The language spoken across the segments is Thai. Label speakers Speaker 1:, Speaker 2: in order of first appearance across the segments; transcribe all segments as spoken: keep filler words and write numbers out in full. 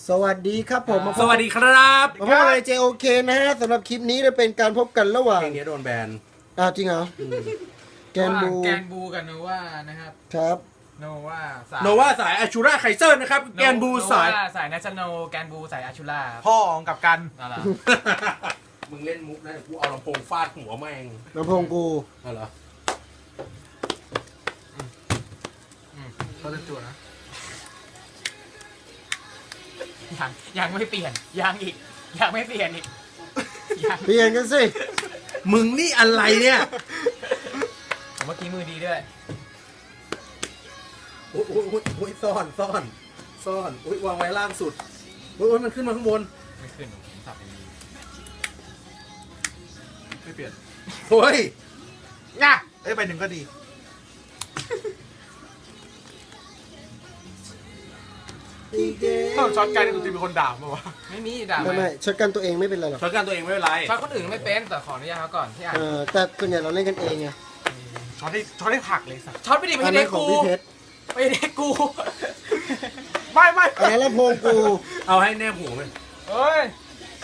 Speaker 1: สวัสดีครับผมมาพ
Speaker 2: ส
Speaker 1: บ
Speaker 2: วัสดีครับ
Speaker 1: มาพบอะไร เจ โอ เค นะฮะสำหรับคลิปนี้จะเป็นการพบกันระหว่าง
Speaker 2: เพลงนี้โดนแบน
Speaker 1: อ้าวจริงเหรอแกนบู
Speaker 3: แกนบูกับโนวานะครับ
Speaker 1: ครับ
Speaker 3: โนวาสาย
Speaker 2: โนว่าสายอาชูราไคเซอร์นะครับ แกนบูสาย
Speaker 3: โนวสายนัชโนแกนบูสายอาชูล่า
Speaker 4: พ่อของกับกัน
Speaker 3: อะไร
Speaker 2: มึงเล่นมุกนะเดี๋ยวกูเอาลำโพงฟาดหัวแม่ง
Speaker 1: ลำโพงกู
Speaker 2: เอาเหรอ
Speaker 4: เขาจะจั่วนะ
Speaker 3: ยังยังไม่เปลี่ยนยังอีกยังไม่เปลี่ยนอีกยัง
Speaker 1: เปลี่ยนกันสิ
Speaker 2: มึงนี่อะไรเนี่ย
Speaker 3: เมื่อกี้มือดีด้วย
Speaker 2: โอ้ยโอ้ยโอ้ยโอ้ยซ่อนซ่อนซ่อนโอ้ยวางไว้ล่างสุดโอ้ยโอ้ยมันขึ้นมาข้างบน
Speaker 3: ไม่ขึ้นผมสับอย่างนี้
Speaker 4: ไม่เปลี่ยน
Speaker 2: โอ้ย
Speaker 4: ง่ะเอ้ยไปหนึ่งก็ดี ถ้าช็อตกันจะมีคนด่าป่าวะ
Speaker 3: ไม่มีด่า
Speaker 1: ไม่ไม่ช็อตกันตัวเองไม่เป็นไรหรอก
Speaker 2: ช็อตกันตัวเองไม่เป็นไร
Speaker 3: ช็อตคนอื่นไม่เป็นแต่ขออนุญาตเขาก่อนที่อ่าน
Speaker 1: เออแต่ส่วนใหญ่เราเล่นกันเองไง
Speaker 4: ช็อตได้ช็อตได้ผักเลยสัส
Speaker 3: ช็อตไม่ดีไม่
Speaker 1: อัน
Speaker 3: ใช่
Speaker 1: นั้
Speaker 3: เด็
Speaker 1: น
Speaker 3: ก
Speaker 1: ของ
Speaker 3: กู
Speaker 1: พี่เพชร
Speaker 3: ไม่ใช่เด็กกู
Speaker 4: ไม่ไม่
Speaker 1: อันนั้นลำโพงกู
Speaker 2: เอาให้แนบหูเลย
Speaker 3: เฮ้ย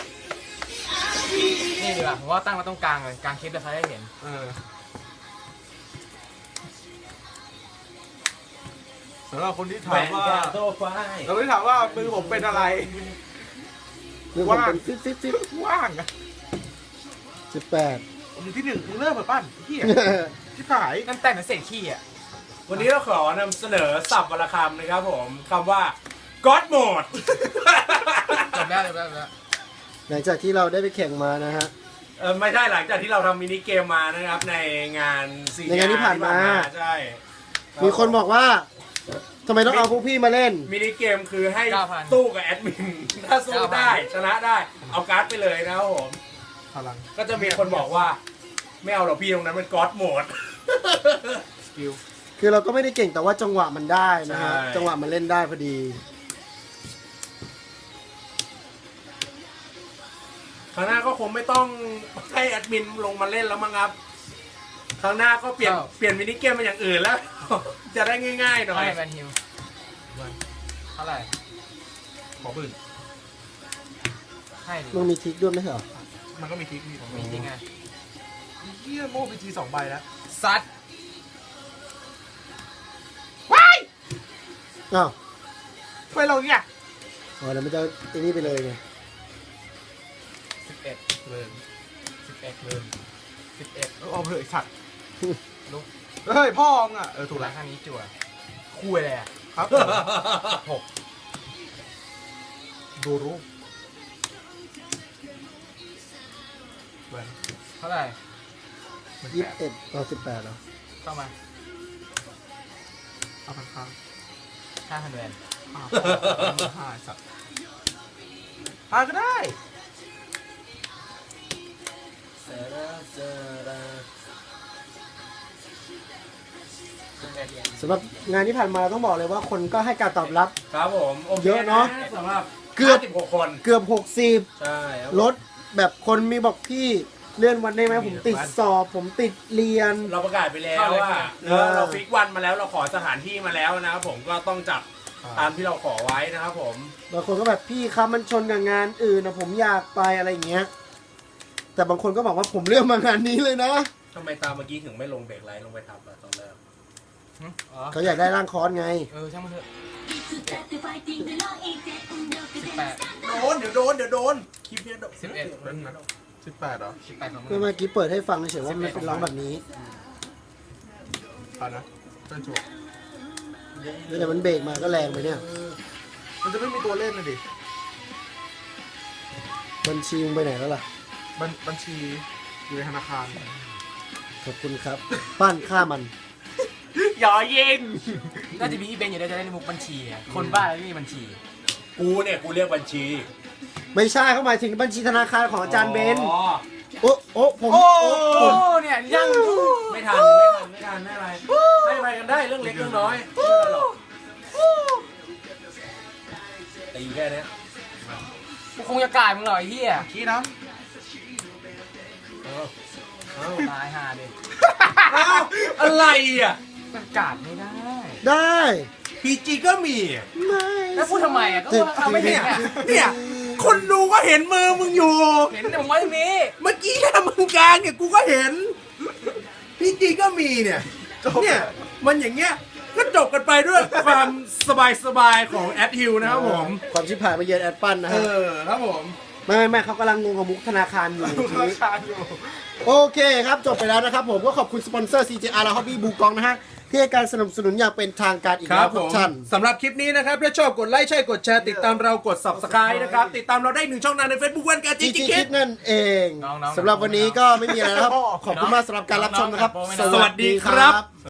Speaker 3: นี่ดีกว่าผมว่าตั้งมาตรงกลางเลยกลางคลิปจะใครได้เห็น
Speaker 4: เออสำหรับคนที่ถามว่า
Speaker 2: โซฟา
Speaker 4: เราที่ถามว่ามือผมเป็นอะไร
Speaker 1: คือผมเป็นฟิตฟิตฟิต
Speaker 4: ว่างอะ
Speaker 1: สิบแปด
Speaker 4: ผมอยู่ที่หนึ่งมึงเริ่มเปิดปั้นไอ้เหี้ยที่ขาย
Speaker 3: นั่นแต่งเหมือนเศษขี้อ่ะ
Speaker 2: วันนี้เราขอนำเสนอศัพท์วรรณคำนะครับผมคำว่า God Mode
Speaker 3: จบแล้วจบแล้วจบแล้ว
Speaker 1: หลังจากที่เราได้ไปแข่งมานะฮะ
Speaker 2: เออไม่ใช่หลังจากที่เราทำมินิเกมมานะครับในงานซี
Speaker 1: ในงานที่ผ่านมา
Speaker 2: ใช่
Speaker 1: มีคนบอกว่าทำไมต้องเอาพวกพี่มาเล่น
Speaker 2: มินิเกมคือให้สู้กับแอดมิน ถ้าสู้ได้ชนะได้เอาการ์ดไปเลยนะครับผม
Speaker 4: พลัง
Speaker 2: ก็จะมีคนบอกว่า ไม่เอาหรอกพี่ตรงนั้นมันก็อดโหมด
Speaker 4: สกิล
Speaker 1: คือเราก็ไม่ได้เก่งแต่ว่าจังหวะมันได้นะฮะ
Speaker 2: ใช่
Speaker 1: จังหวะมันเล่นได้พอดี
Speaker 2: ครั้งหน้าก็คงไม่ต้องให้แอดมินลงมาเล่นแล้วมั้งครับครั้งหน้าก็เปลี่ยนเปลี่ยนมินิเกมเป็นอย่างอื่นแล้ว จะได้ง่ายๆหน่อย
Speaker 3: ให้แบนฮิวเท่าไหร่
Speaker 4: ขอปืน
Speaker 3: ให้ดิ
Speaker 1: มึงมีทริกด้วยไหมเหรอ
Speaker 4: มันก็มีทิกนี่ผม
Speaker 3: มีจริงไง
Speaker 4: เหี้ยโม่พีจีสองใบแล้ว
Speaker 3: ซัด
Speaker 1: อ้าว
Speaker 4: ทำไมเราเนี่ย
Speaker 1: อ๋อเดี๋ยวมันจะไอ้นี่ไปเลยไง
Speaker 3: สิบเอ็ด
Speaker 4: เริ่ม
Speaker 3: สิบเอ็ดเริ่มสิบเอ็ด
Speaker 4: เอาเถอะไอ้สัตว์
Speaker 3: ลุก
Speaker 4: เฮ้ยพ่อมึงอ่ะเออถู
Speaker 3: ถู
Speaker 4: ก
Speaker 3: ก
Speaker 4: แล้
Speaker 3: แล้ว วข้างนี้จั่วคุยเลยอ่ะ
Speaker 4: ครับ
Speaker 3: หก
Speaker 4: ดูรูปแหวน
Speaker 3: เท่าไหร่
Speaker 4: เหมือน
Speaker 1: ยี่
Speaker 4: แป
Speaker 1: สิบ
Speaker 4: ด
Speaker 1: เอ็ดต่อสิบแปดเหรอ
Speaker 3: เข้ามา
Speaker 4: เอาพันค้าง
Speaker 3: ห้าพันแวน
Speaker 4: อ้าวห้าไอ้สัตว์ห้าก็ได้
Speaker 3: สิบเอ็ด
Speaker 1: สำหรับงานที่ผ่านมาต้องบอกเลยว่าคนก็ให้การตอบรับ
Speaker 2: ครับผมโค
Speaker 1: เยอะเนอะ
Speaker 2: สำหรับ
Speaker 1: เกือบ
Speaker 2: สิบหกคน
Speaker 1: เกือบหกสิบ
Speaker 2: ใช่ครับ
Speaker 1: ลดแบบคนมีบอกพี่เลื่อนวันได้ไหมผมติดสอบ ผมติดเรียน
Speaker 2: เราประกาศไปแล้วว่าเออเราฟิกวันมาแล้วเราขอสถานที่มาแล้วนะครับผมก็ต้องจัดตามที่เราขอไว้นะครับผม
Speaker 1: บางคนก็แบบพี่ครับมันชนกับงานอื่นนะผมอยากไปอะไรอย่างเงี้ย แต่บางคนก็บอกว่าผมเลือกมางานนี้เลยนะ
Speaker 2: ทำไมตามเมื่อกี้ถึงไม่ลงเบรกไลท์ลงไปทำอะตอนแรก
Speaker 3: อ๋อ
Speaker 1: เขาอยากได้ร่างคอร์สไง
Speaker 3: เออช่างมันเถอะสิบแปด
Speaker 2: โดนเดี๋ยวโดนเดี๋ยวโดนคลิปเนี้ยโดน
Speaker 3: สิบเอ็ด
Speaker 4: สิบแปดเหรอ
Speaker 3: สิบแปดของมึ
Speaker 1: เมื่อง เมื่อกี้เปิดให้ฟังเฉยๆว่ามันเป็นร้องแบบนี้
Speaker 4: ผ่านนะเป็นจั่ว
Speaker 1: แล้วแต่มันเบรกมาก็แรงไปเนี่ย
Speaker 4: มันจะไม่มีตัวเล่นเลยดิ
Speaker 1: บัญชีมึงไปไหนแล้วล่ะ
Speaker 4: บัญบัญชีอยู่ในธนาคาร
Speaker 1: ขอบคุณครับ ปั้นฆ่ามัน
Speaker 4: หยอเย็น
Speaker 3: น่าจะมีอีเบนอยู่ได้จะได้ในมุกบัญชีอะคนบ้าแล้วไม่มีบัญชี
Speaker 2: กูเนี่ยกูเรียกบัญชี
Speaker 1: ไม่ใช่เขาหมายถึงบัญชีธนาคารของอาจารย์เบน
Speaker 2: อ๋อ
Speaker 1: โอ้โอ้ผม
Speaker 4: โอ้
Speaker 1: โอ้
Speaker 3: โอ้
Speaker 1: ผม
Speaker 3: เนี่ยยัง
Speaker 2: ไม่ทันไม่ทันไม่ทันไม่อะไรให้ไปกันได้เรื่องเล็กเรื่องน้อยไม่เป็นไรหรอกตีแค่เนี้ย
Speaker 3: กูคงจะกลายมึงหรอไอ้เหี้ย
Speaker 4: ขี้น้
Speaker 2: เอาเอา
Speaker 3: ตายห่าดิ
Speaker 2: เอาอะไรอ่ะ
Speaker 3: มันกาดไม่ได้
Speaker 1: ได้
Speaker 2: พีจีก็มี
Speaker 1: ไม่
Speaker 3: แล้วพูดทำไมอ่ะก็ว่าเอาไม่เห็น
Speaker 2: เนี่ย
Speaker 3: อ่ะ
Speaker 2: เนี่ย คนดูก็เห็นมือมึงอยู่
Speaker 3: เห็นแต่ผมไว้ตรงนี้
Speaker 2: เมื่อกี้ถ้ามึงกลางเนี่ยกูก็เห็นพี่จีก็มีเนี่ยเนี่ยมันอย่างเงี้ยก็จบกันไปด้วยความสบายๆของแอดฮิลนะครับผม
Speaker 1: ความชิบหายมาเยือนแอดปันนะ
Speaker 2: เอ
Speaker 1: ฮะ
Speaker 2: อครับผม
Speaker 1: ไม่ไม่ไม่เขากำลังงงกับมุกธนาคารอยู่
Speaker 4: ราคาอยู่
Speaker 1: โอเคครับจบไปแล้วนะครับผมก็ขอบคุณสปอนเซอร์ ซี เจ อาร์ และ Hobby บูกองนะฮะที่ให้การสนับสนุนอย่างเป็นทางการอีก
Speaker 2: ค
Speaker 1: แล้
Speaker 2: รั
Speaker 1: ว
Speaker 2: บ
Speaker 1: ทุ
Speaker 2: ผ
Speaker 1: ก
Speaker 2: ม
Speaker 1: ท่าน
Speaker 2: สำหรับคลิปนี้นะครับถ้าชอบกดไลค์ใช่กดแชร์ติดตามเรากด Subscribe นะครับ ติดตามเราได้หนึ่งช่องทางใน Facebook วันการจี
Speaker 1: จี
Speaker 2: จี
Speaker 1: จี
Speaker 2: คิ
Speaker 1: คิ
Speaker 2: ด
Speaker 1: ดนั่นเอง
Speaker 3: น้องๆ
Speaker 1: สำหรับวันนี้ก็ไม่มีอะไรแล้วครับ ขอบคุณมากสำหรับการรับชมนะครับ
Speaker 3: น้องๆ
Speaker 2: สวัสดีครับ